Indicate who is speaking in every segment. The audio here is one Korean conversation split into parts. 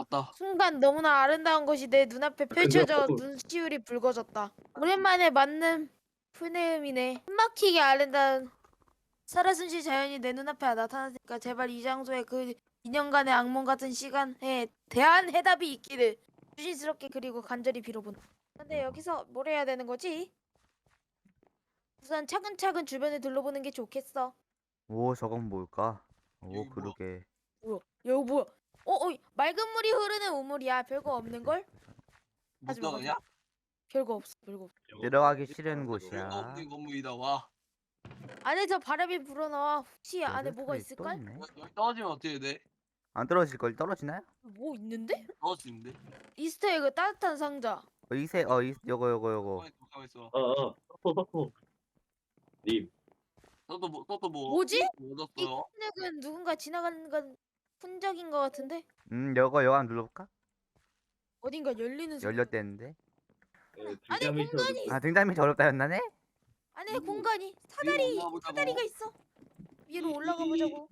Speaker 1: 왔다.
Speaker 2: 순간 너무나 아름다운 것이 내 눈앞에 펼쳐져 눈시울이 붉어졌다. 오랜만에 맞는 푸네음이네. 숨막히게 아름다운 살아숨쉬 자연이 내 눈앞에 나타났으니까 제발 이 장소에 그 2년간의 악몽 같은 시간에 대한 해답이 있기를 조심스럽게 그리고 간절히 빌어본다. 근데 여기서 뭘 해야 되는 거지? 우선 차근차근 주변을 둘러보는 게 좋겠어.
Speaker 3: 오, 저건 뭘까? 오,
Speaker 1: 여기 뭐야?
Speaker 3: 그러게.
Speaker 2: 뭐야? 여기 뭐야? 맑은 물이 흐르는 우물이야. 별거 없는 걸?
Speaker 1: 못
Speaker 2: 하지 마, 하지
Speaker 1: 들어가냐?
Speaker 2: 별거 없어. 별거 없어.
Speaker 3: 들어가기 싫은
Speaker 1: 별거
Speaker 3: 곳이야.
Speaker 1: 없는 건물이다. 와.
Speaker 2: 안에 바람이 불어나와. 혹시 안에 뭐가
Speaker 3: 또
Speaker 2: 있을까?
Speaker 3: 있네.
Speaker 1: 여기 떨어지면 어떻게 돼?
Speaker 3: 안 떨어질 걸 떨어지나요?
Speaker 2: 뭐 있는데?
Speaker 1: 떨어지는데?
Speaker 2: 이스터에그 따뜻한 상자.
Speaker 3: 요거.
Speaker 1: 가만 있어.
Speaker 4: 서포 님.
Speaker 1: 또또 뭐?
Speaker 2: 뭐지?
Speaker 1: 뭐
Speaker 2: 이
Speaker 1: 얻었어요?
Speaker 2: 흔적은 누군가 지나가는 건 흔적인 것 같은데?
Speaker 3: 요거 한번 눌러볼까?
Speaker 2: 어딘가 열리는 소리.
Speaker 3: 열렸대는데.
Speaker 2: 아니, 공간이
Speaker 3: 아, 등장이 어렵다 했나네?
Speaker 2: 안에 공간이
Speaker 1: 위로 올라가 보자고.
Speaker 2: 사다리가 있어. 위로 올라가 보자고.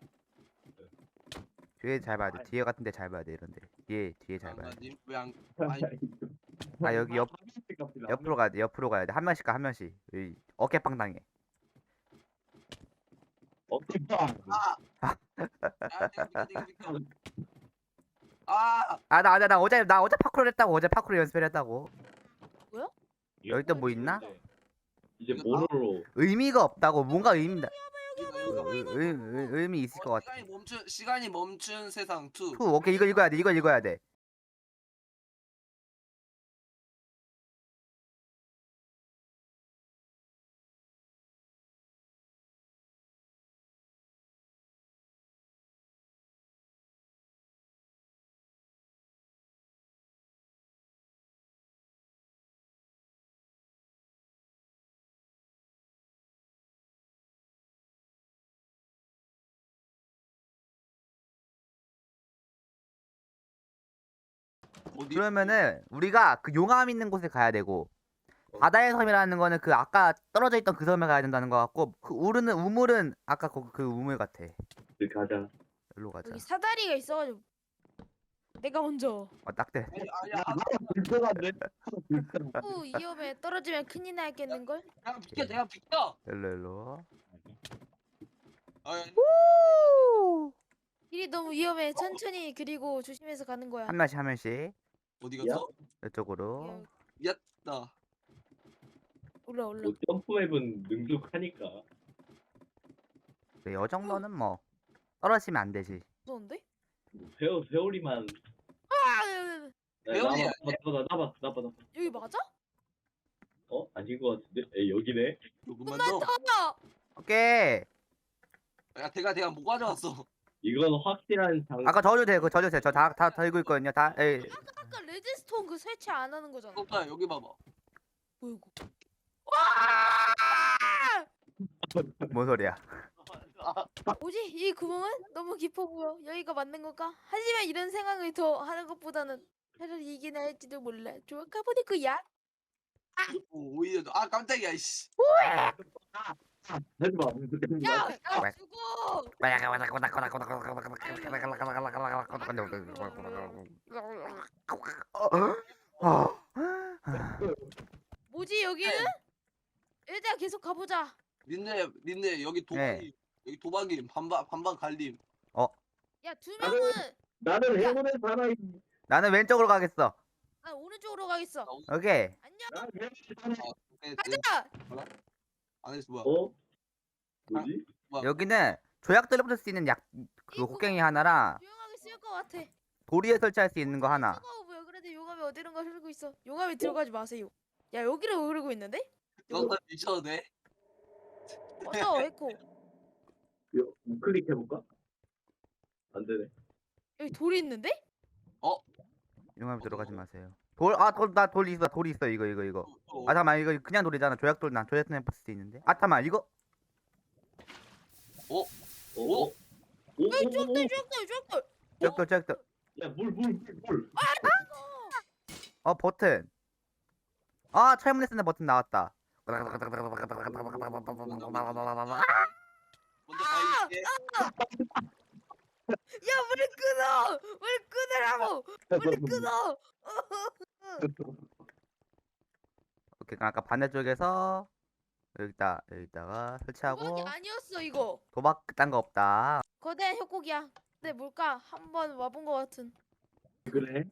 Speaker 3: 뒤에 잘 봐야 돼. 뒤에 같은데 잘 봐야 돼. 이런데. 뒤에 잘 봐야 돼.
Speaker 1: 님 왜안 아니
Speaker 3: 아, 여기 옆으로 가야 돼. 옆으로 가야 돼. 한 명씩 가, 한 명씩. 여기 어깨빵 당해.
Speaker 4: 어깨빵.
Speaker 1: 아!
Speaker 3: 아, 나 어제 파쿠르 했다고. 어제 파쿠르 연습을 했다고. 여기 또 뭐 있나?
Speaker 4: 이제 뭐로?
Speaker 3: 의미가 없다고. 뭔가 의미다.
Speaker 1: 이거.
Speaker 3: 의미 있을 것 같아.
Speaker 1: 시간이 멈춘 세상 2.
Speaker 3: 오케이, 이거 읽어야 돼. 이거 읽어야 돼.
Speaker 1: 어디?
Speaker 3: 그러면은 우리가 그 용암 있는 곳에 가야 되고 바다의 섬이라는 거는 그 아까 떨어져 있던 그 섬에 가야 된다는 거 같고 그 우물은 아까 그 우물 같아.
Speaker 4: 가자.
Speaker 3: 일로 가자.
Speaker 2: 여기 사다리가 있어가지고 내가 먼저.
Speaker 3: 딱대.
Speaker 1: 아야.
Speaker 4: 불편한데?
Speaker 2: 위험해. 떨어지면 큰일 나겠는걸?
Speaker 1: 내가 비켜.
Speaker 3: 일로.
Speaker 1: 아,
Speaker 2: 길이 너무 위험해. 천천히 그리고 조심해서 가는 거야.
Speaker 3: 한 명씩
Speaker 1: 어디 갔어?
Speaker 3: 이쪽으로.
Speaker 1: 나.
Speaker 2: 올라.
Speaker 4: 뭐 점프맵은 능숙하니까.
Speaker 3: 네, 이 정도는 뭐 떨어지면 안 되지.
Speaker 2: 무서운데?
Speaker 4: 뭐 세월이만.
Speaker 2: 아!
Speaker 1: 세월이야.
Speaker 4: 나봐.
Speaker 2: 여기 맞아?
Speaker 4: 아닌 것 같은데? 여기네.
Speaker 1: 조금만 더.
Speaker 3: 오케이.
Speaker 1: 야, 내가 뭐 가져왔어?
Speaker 4: 이건 확실한 장.
Speaker 3: 아까 저주세요. 저 다 들고 있거든요. 다. 에이.
Speaker 2: 아까 레드스톤 그 설치 안 하는 거잖아.
Speaker 1: 오빠 여기 봐봐.
Speaker 2: 뭐야 이거?
Speaker 3: 뭔 소리야?
Speaker 2: 뭐지? 이 구멍은 너무 깊어 보여. 여기가 맞는 걸까? 하지만 이런 생각을 더 하는 것보다는 차라리 이게 나을지도 몰라. 좋아 가보니 그야.
Speaker 1: 오히려 깜짝이야 이씨.
Speaker 4: 하지 마.
Speaker 2: 야 죽어. 뭐지 여기는? 일단 계속 가보자.
Speaker 1: 닌네 여기 도박이 여기 도박임 반반 갈림.
Speaker 2: 야 두 명은
Speaker 4: 나는 행운의 사나이.
Speaker 3: 나는 왼쪽으로 가겠어.
Speaker 2: 나 오른쪽으로 가겠어.
Speaker 3: 오케이.
Speaker 2: 안녕.
Speaker 4: 난 행운의 사나이.
Speaker 2: 가자.
Speaker 1: 안에서 뭐야?
Speaker 4: 뭐지?
Speaker 3: 여기는 조약돌을 붙일 수 있는 그 곡괭이 하나랑
Speaker 2: 조용하게 쓸 것 같아.
Speaker 3: 도리에 설치할 수 있는 거 하나.
Speaker 2: 뜨거워 보여. 그런데 용암이 어디론가 흐르고 있어. 용암에 들어가지 마세요. 야 여기로 흐르고 있는데?
Speaker 1: 너나 미쳐도 돼?
Speaker 2: 맞아 에코.
Speaker 4: 클릭해볼까? 안 되네.
Speaker 2: 여기 돌이 있는데?
Speaker 3: 용암에 들어가지 마세요. 돌 있어. 이거. 아 잠깐만 이거 그냥 돌이잖아. 조약돌 붙일 수 있는데. 아 잠깐만 이거. 조약돌.
Speaker 4: 야, 물.
Speaker 3: 버튼. 철문에 버튼 나왔다.
Speaker 1: 먼저 가야겠지.
Speaker 2: 야 물을 끊어. 물 끊어. 끊으라고. 빨리 끊어.
Speaker 3: 오케이, 그럼 아까 반대쪽에서 여기다가 설치하고
Speaker 2: 도박이 아니었어 이거.
Speaker 3: 도박 그딴 거 없다.
Speaker 2: 거대한 협곡이야. 근데 뭘까? 한번 와본 것 같은.
Speaker 4: 그래?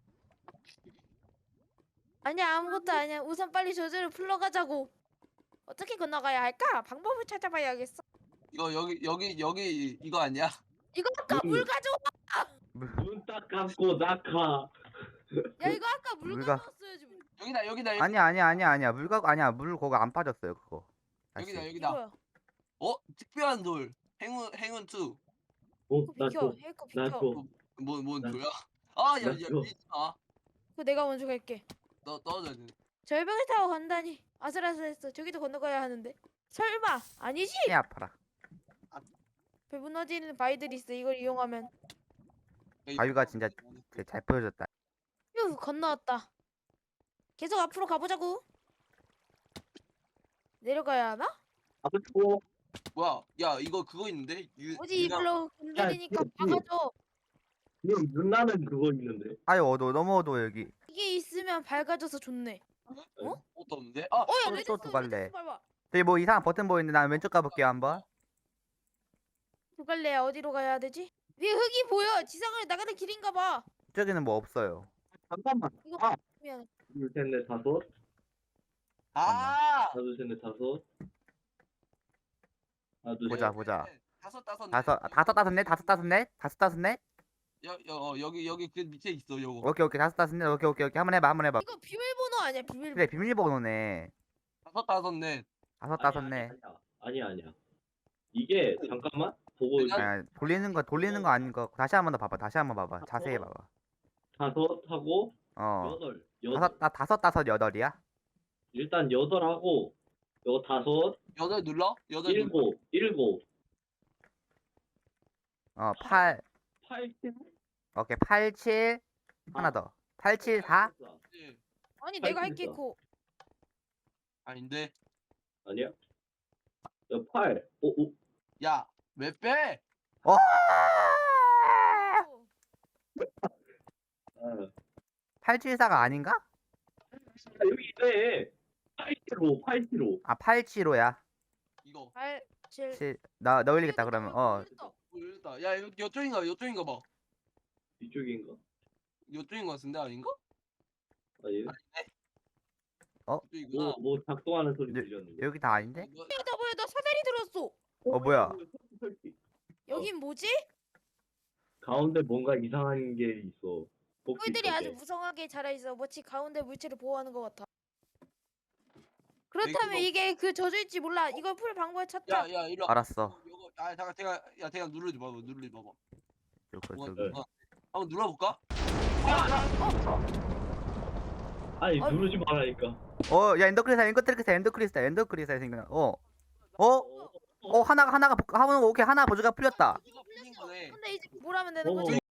Speaker 2: 아니야 아무것도 아니야. 우선 빨리 저절로 풀러가자고. 어떻게 건너가야 할까? 방법을 찾아봐야겠어.
Speaker 1: 이거 여기 이거 아니야?
Speaker 2: 이거 아까 물 가져.
Speaker 4: 눈 딱 감고 낙하.
Speaker 2: 야 이거 아까 물
Speaker 3: 물가-
Speaker 2: 가져왔어야지.
Speaker 1: 여기다.
Speaker 3: 아니야. 물 거기 안 빠졌어요, 그거. 다시.
Speaker 1: 여기다.
Speaker 2: 이거야.
Speaker 1: 특별한 돌. 행운 2.
Speaker 2: 이거
Speaker 4: 나
Speaker 2: 비켜.
Speaker 4: 줘.
Speaker 2: 헤이커
Speaker 4: 나
Speaker 2: 비켜.
Speaker 4: 줘.
Speaker 1: 뭔
Speaker 4: 나-
Speaker 1: 돌이야? 아, 야,
Speaker 4: 나
Speaker 1: 밀지
Speaker 4: 줘.
Speaker 1: 마.
Speaker 2: 그거 내가 먼저 갈게.
Speaker 1: 너 떨어져야 돼.
Speaker 2: 절벽을 타고 간다니. 아슬아슬했어. 저기도 건너가야 하는데. 설마 아니지?
Speaker 3: 이 아파라.
Speaker 2: 배 무너지는 바위들이 있어. 이걸 이용하면.
Speaker 3: 바위가 진짜 되게 잘 보여줬다.
Speaker 2: 휴 건너왔다. 계속 앞으로 가보자고. 내려가야 하나?
Speaker 4: 아프고.
Speaker 1: 뭐야? 야, 이거 그거 있는데?
Speaker 2: 뭐지 이걸로 건드리니까
Speaker 4: 야,
Speaker 2: 박아줘.
Speaker 4: 지금 눈 나는 그거 있는데.
Speaker 3: 아유, 너무 어두워, 여기.
Speaker 2: 이게 있으면 밝아져서 좋네.
Speaker 1: 옷도 없는데? 아,
Speaker 2: 어야
Speaker 3: 또
Speaker 2: 레드스톤
Speaker 3: 두 갈래.
Speaker 2: 레드스톤 밟아.
Speaker 3: 저기 뭐 이상한 버튼 보이는데 난 왼쪽 가볼게요, 한번.
Speaker 2: 두 갈래야 어디로 가야 되지? 위에 흙이 보여. 지상을 나가는 길인가 봐.
Speaker 3: 이쪽에는 뭐 없어요.
Speaker 4: 잠깐만.
Speaker 2: 이거
Speaker 4: 아.
Speaker 2: 미안.
Speaker 4: 둘, 셋, 넷, 다섯.
Speaker 1: 아!
Speaker 4: 하나, 둘, 셋, 넷, 다섯. 하나, 둘,
Speaker 3: 보자,
Speaker 4: 셋.
Speaker 3: 보자.
Speaker 1: 다섯,
Speaker 3: 다섯, 넷.
Speaker 1: 여기 그 밑에 있어, 요거.
Speaker 3: 오케이, 다섯, 넷. 오케이. 한번 해봐.
Speaker 2: 이거 비밀번호 아니야 비밀번호.
Speaker 3: 그래, 비밀번호네.
Speaker 1: 다섯, 넷.
Speaker 3: 다섯, 넷.
Speaker 4: 아니야. 이게 잠깐만 보고
Speaker 1: 내가-
Speaker 3: 아, 돌리는 거 아닌 거. 다시 한 번 더 봐봐. 자세히 봐봐.
Speaker 4: 다섯 하고
Speaker 3: 어.
Speaker 4: 여덟.
Speaker 3: 다섯, 여덟이야?
Speaker 4: 일단 여덟 하고 요거 다섯,
Speaker 1: 여덟 눌러? 여덟 눌러.
Speaker 4: 일곱.
Speaker 3: 어, 8.
Speaker 4: 8,
Speaker 3: 오케이, 8, 7. 하나 더. 8, 7, 4.
Speaker 1: 예.
Speaker 2: 아니 내가 할게
Speaker 4: 됐어.
Speaker 2: 코.
Speaker 1: 아닌데.
Speaker 4: 아니야? 8. 오.
Speaker 1: 야, 왜 빼?
Speaker 3: 어!
Speaker 4: 아,
Speaker 3: 874가 아닌가?
Speaker 4: 여기 있네. 875.
Speaker 3: 아, 875야.
Speaker 1: 이거.
Speaker 2: 8, 7.
Speaker 3: 7. 나 올리겠다, 그러면.
Speaker 1: 모르겠다. 야, 요쪽인가 봐.
Speaker 4: 이쪽인가?
Speaker 1: 요쪽인 것 같은데 아닌가?
Speaker 4: 아니.
Speaker 1: 이쪽이구나.
Speaker 4: 뭐 작동하는 소리
Speaker 3: 네,
Speaker 4: 들렸는데.
Speaker 3: 여기 다 아닌데?
Speaker 1: 이거-
Speaker 2: 나 뭐야 나 사다리 들었어.
Speaker 3: 뭐야?
Speaker 4: 설치.
Speaker 2: 여긴 뭐지?
Speaker 4: 가운데 뭔가 이상한 게 있어. 혹시
Speaker 2: 꿀들이 아주
Speaker 4: 저게.
Speaker 2: 무성하게 자라있어. 마치 가운데 물체를 보호하는 것 같아. 그렇다면
Speaker 1: 이거-
Speaker 2: 이게 그 저주일지 몰라. 이걸 풀 방법을 찾자.
Speaker 1: 야, 이리 와.
Speaker 3: 알았어.
Speaker 1: 잠깐 제가 누르지 봐봐.
Speaker 3: 저거,
Speaker 1: 뭐가
Speaker 3: 저기.
Speaker 1: 있구나. 한번 눌러볼까?
Speaker 4: 아니
Speaker 2: 아니.
Speaker 4: 누르지 말라니까.
Speaker 3: 야, 엔더크리스탈 생겨나. 하나가, 오케이, 하나 보조가 풀렸다.
Speaker 1: 이거 풀린 거네.
Speaker 2: 근데 이제 뭘 하면 되는
Speaker 4: 어.
Speaker 2: 거지?